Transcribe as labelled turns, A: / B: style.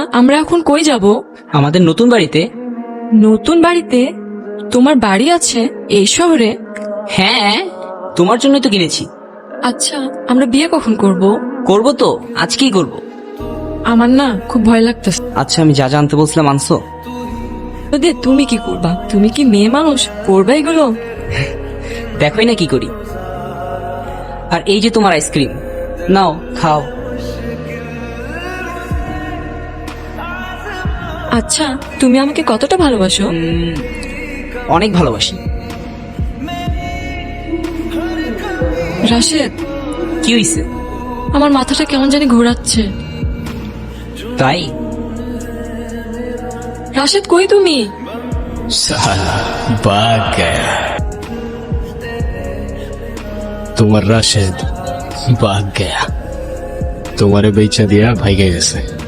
A: আমরা এখন কই যাব?
B: আমাদের নতুন বাড়িতে।
A: নতুন বাড়িতে? তোমার বাড়ি আছে এই শহরে?
B: হ্যাঁ, তোমার জন্যই তো কিনেছি।
A: আচ্ছা, আমরা বিয়ে কখন করব?
B: করব তো, আজকেই করব।
A: আমার না খুব ভয় লাগতেছে।
B: আচ্ছা, আমি যা জানতে বলছিলাম আনছো?
A: তুমি কি করবা? তুমি কি মেয়ে মানুষ, করবা এগুলো?
B: দেখোই না কি করি। আর এই যে তোমার আইসক্রিম, নাও খাও।
A: আচ্ছা, তুমি আমাকে কতটা ভালোবাসো?
B: অনেক ভালোবাসি।
A: রাশেদ,
B: কি হইছে?
A: আমার মাথাটা কেমন জানি ঘোরাচ্ছে।
B: তাই?
A: রাশেদ, কই তুমি?
C: साला भाग गया তোমার রাশেদ ভাগ গয়া তোমারে বেচা দিয়া ভাইগে গেছে।